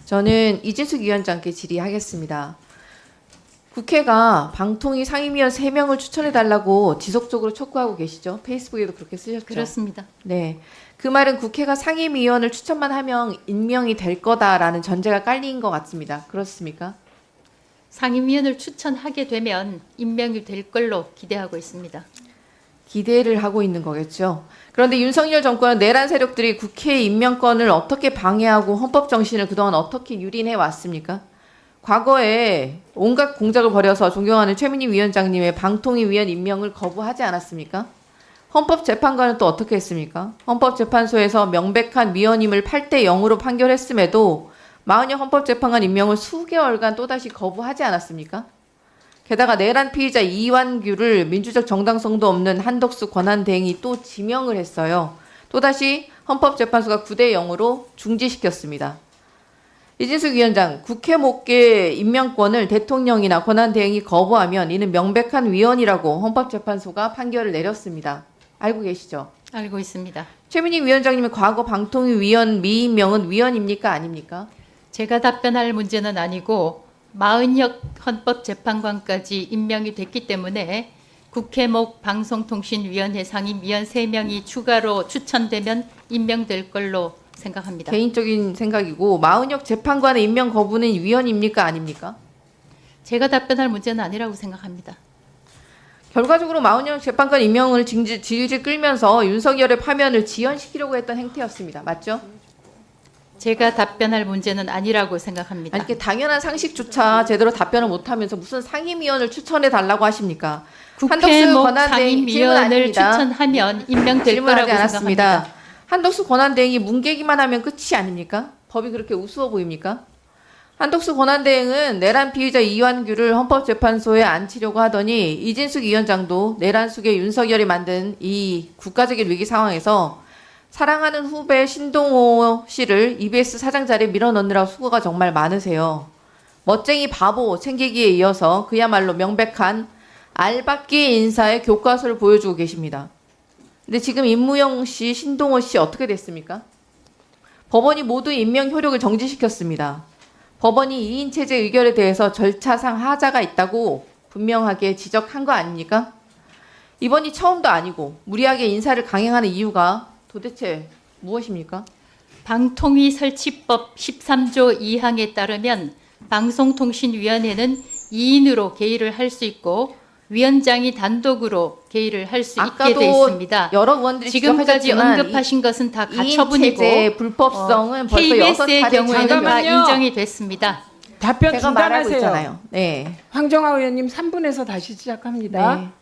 저는 이진숙 위원장께 질의하겠습니다. 국회가 방통위 상임위원 3명을 추천해달라고 지속적으로 촉구하고 계시죠? 페이스북에도 그렇게 쓰셨죠? 그렇습니다. 네. 그 말은 국회가 상임위원을 추천만 하면 임명이 될 거다라는 전제가 깔린 것 같습니다. 그렇습니까? 상임위원을 추천하게 되면 임명이 될 걸로 기대하고 있습니다. 기대를 하고 있는 거겠죠. 그런데 윤석열 정권은 내란 세력들이 국회 임명권을 어떻게 방해하고 헌법 정신을 그동안 어떻게 유린해 왔습니까? 과거에 온갖 공작을 벌여서 존경하는 최민희 위원장님의 방통위 위원 임명을 거부하지 않았습니까? 헌법재판관은 또 어떻게 했습니까? 헌법재판소에서 명백한 위헌임을 8대 0으로 판결했음에도 마흔여 헌법재판관 임명을 수개월간 또다시 거부하지 않았습니까? 게다가 내란 피의자 이완규를 민주적 정당성도 없는 한덕수 권한대행이 또 지명을 했어요. 또다시 헌법재판소가 9대 0으로 중지시켰습니다. 이진숙 위원장, 국회 목계 임명권을 대통령이나 권한대행이 거부하면 이는 명백한 위헌이라고 헌법재판소가 판결을 내렸습니다. 알고 계시죠? 알고 있습니다. 최민희 위원장님의 과거 방통위 위원 미임명은 위헌입니까? 아닙니까? 제가 답변할 문제는 아니고 마은혁 헌법재판관까지 임명이 됐기 때문에 국회목 방송통신위원회 상임위원 3명이 추가로 추천되면 임명될 걸로 생각합니다. 개인적인 생각이고 마은혁 재판관의 임명 거부는 위헌입니까? 아닙니까? 제가 답변할 문제는 아니라고 생각합니다. 결과적으로 마은혁 재판관 임명을 질질 끌면서 윤석열의 파면을 지연시키려고 했던 행태였습니다. 맞죠? 제가 답변할 문제는 아니라고 생각합니다. 아니, 이렇게 당연한 상식조차 제대로 답변을 못하면서 무슨 상임위원을 추천해 달라고 하십니까? 국회목 권한대행 질문 상임위원을 아닙니다. 추천하면 임명될 질문하지 거라고 않았습니다. 생각합니다. 한덕수 권한대행이 뭉개기만 하면 끝이 아닙니까? 법이 그렇게 우스워 보입니까? 한덕수 권한대행은 내란 피의자 이완규를 헌법재판소에 앉히려고 하더니 이진숙 위원장도 내란 속에 윤석열이 만든 이 국가적인 위기 상황에서 사랑하는 후배 신동호 씨를 EBS 사장 자리에 밀어넣느라 수고가 정말 많으세요. 멋쟁이 바보 챙기기에 이어서 그야말로 명백한 알박기 인사의 교과서를 보여주고 계십니다. 근데 지금 임무영 씨, 신동호 씨 어떻게 됐습니까? 법원이 모두 임명 효력을 정지시켰습니다. 법원이 2인 체제 의결에 대해서 절차상 하자가 있다고 분명하게 지적한 거 아닙니까? 이번이 처음도 아니고 무리하게 인사를 강행하는 이유가 도대체 무엇입니까? 방통위 설치법 13조 2항에 따르면 방송통신위원회는 2인으로 개의를 할 수 있고 위원장이 단독으로 개의를 할 수 있게 돼 있습니다. 여러 의원들이 지금까지 언급하신 것은 다 가처분이고 체제의 불법성은 벌써 KBS의 6차례 경우에는 다 잠깐만요. 인정이 됐습니다. 답변 제가 말하고 중단하세요. 있잖아요. 네. 황정아 의원님 3분에서 다시 시작합니다. 네.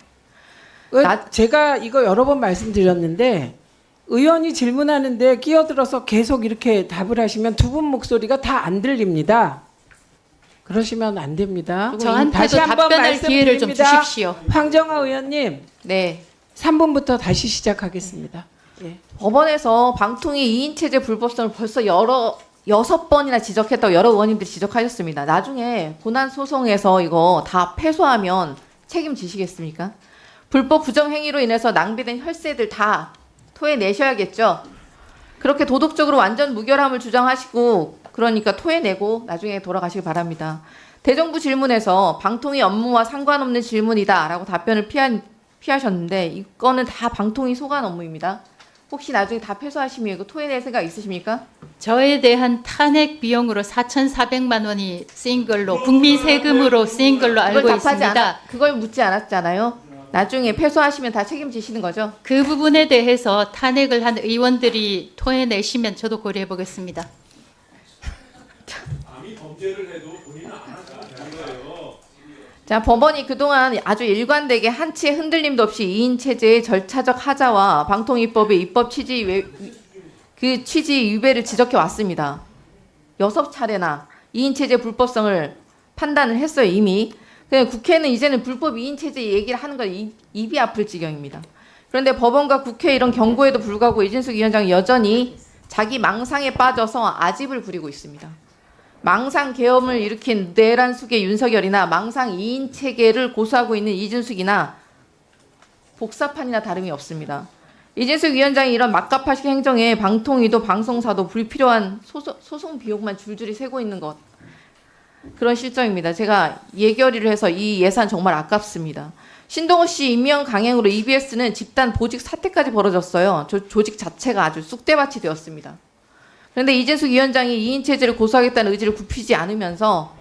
제가 이거 여러 번 말씀드렸는데 의원이 질문하는데 끼어들어서 계속 이렇게 답을 하시면 두 분 목소리가 다 안 들립니다. 그러시면 안 됩니다. 저한테도 다시 한번 답변할 기회를 좀 말씀드립니다. 주십시오. 황정아 의원님 네. 3분부터 다시 시작하겠습니다. 예. 법원에서 방통위 2인 체제 불법성을 벌써 6번이나 지적했다고 여러 의원님들이 지적하셨습니다. 나중에 고난 소송에서 이거 다 패소하면 책임지시겠습니까? 불법 부정행위로 인해서 낭비된 혈세들 다 토해내셔야겠죠. 그렇게 도덕적으로 완전 무결함을 주장하시고 그러니까 토해내고 나중에 돌아가시기 바랍니다. 대정부 질문에서 방통위 업무와 상관없는 질문이다라고 답변을 피하셨는데 이거는 다 방통위 소관 업무입니다. 혹시 나중에 다 패소하시면 이거 토해낼 생각 있으십니까? 저에 대한 탄핵 비용으로 4,400만 원이 쓰인 걸로 국민 세금으로 쓰인 걸로 알고 있습니다. 그걸 묻지 않았잖아요. 나중에 패소하시면 다 책임지시는 거죠? 그 부분에 대해서 탄핵을 한 의원들이 토해내시면 저도 고려해 보겠습니다. 아니 범죄를 해도 본인은 안 하는 거예요. 자, 법원이 그동안 아주 일관되게 한치의 흔들림도 없이 2인 체제의 절차적 하자와 방통위법의 입법 취지 위배를 지적해 왔습니다. 6차례나 2인 체제 불법성을 판단을 했어요, 이미. 국회는 이제는 불법 2인 체제 얘기를 하는 건 입이 아플 지경입니다. 그런데 법원과 국회 이런 경고에도 불구하고 이진숙 위원장이 여전히 자기 망상에 빠져서 아집을 부리고 있습니다. 망상 계엄을 일으킨 내란 속의 윤석열이나 망상 2인 체계를 고수하고 있는 이준숙이나 복사판이나 다름이 없습니다. 이진숙 위원장이 이런 막가파식 행정에 방통위도 방송사도 불필요한 소송 비용만 줄줄이 세고 있는 것. 그런 실정입니다. 제가 예결위를 해서 이 예산 정말 아깝습니다. 신동호 씨 임명 강행으로 EBS는 집단 보직 사태까지 벌어졌어요. 조직 자체가 아주 쑥대밭이 되었습니다. 그런데 이진숙 위원장이 2인 체제를 고수하겠다는 의지를 굽히지 않으면서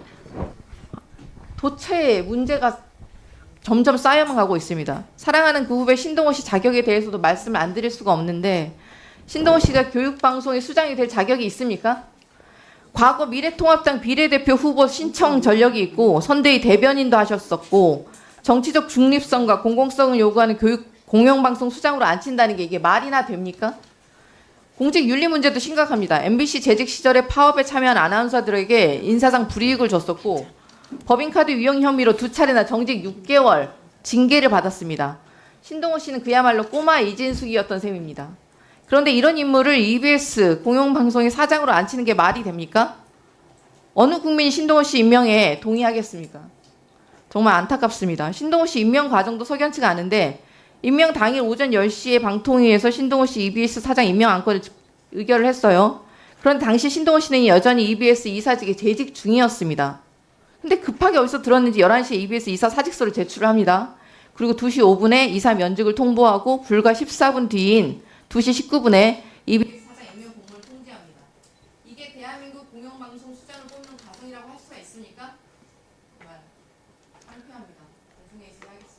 도처에 문제가 점점 쌓여만 가고 있습니다. 사랑하는 그 후배 신동호 씨 자격에 대해서도 말씀을 안 드릴 수가 없는데 신동호 씨가 교육방송의 수장이 될 자격이 있습니까? 과거 미래통합당 비례대표 후보 신청 전력이 있고 선대위 대변인도 하셨었고 정치적 중립성과 공공성을 요구하는 공영방송 수장으로 앉힌다는 게 이게 말이나 됩니까? 공직 윤리 문제도 심각합니다. MBC 재직 시절에 파업에 참여한 아나운서들에게 인사상 불이익을 줬었고 법인카드 유용 혐의로 2차례나 정직 6개월 징계를 받았습니다. 신동호 씨는 그야말로 꼬마 이진숙이었던 셈입니다. 그런데 이런 인물을 EBS 공영방송의 사장으로 앉히는 게 말이 됩니까? 어느 국민이 신동호 씨 임명에 동의하겠습니까? 정말 안타깝습니다. 신동호 씨 임명 과정도 석연치가 않은데 임명 당일 오전 10시에 방통위에서 신동호 씨 EBS 사장 임명 안건을 의결을 했어요. 그런데 당시 신동호 씨는 여전히 EBS 이사직에 재직 중이었습니다. 근데 급하게 어디서 들었는지 11시에 EBS 이사 사직서를 제출을 합니다. 그리고 2시 5분에 이사 면직을 통보하고 불과 14분 뒤인 2시 19분에 EBS 사장 임명 공문을 통지합니다. 이게 대한민국 공영방송 수장을 뽑는 과정이라고 할 수가 있습니까? 정말 창피합니다. 나중에 시작하겠습니다.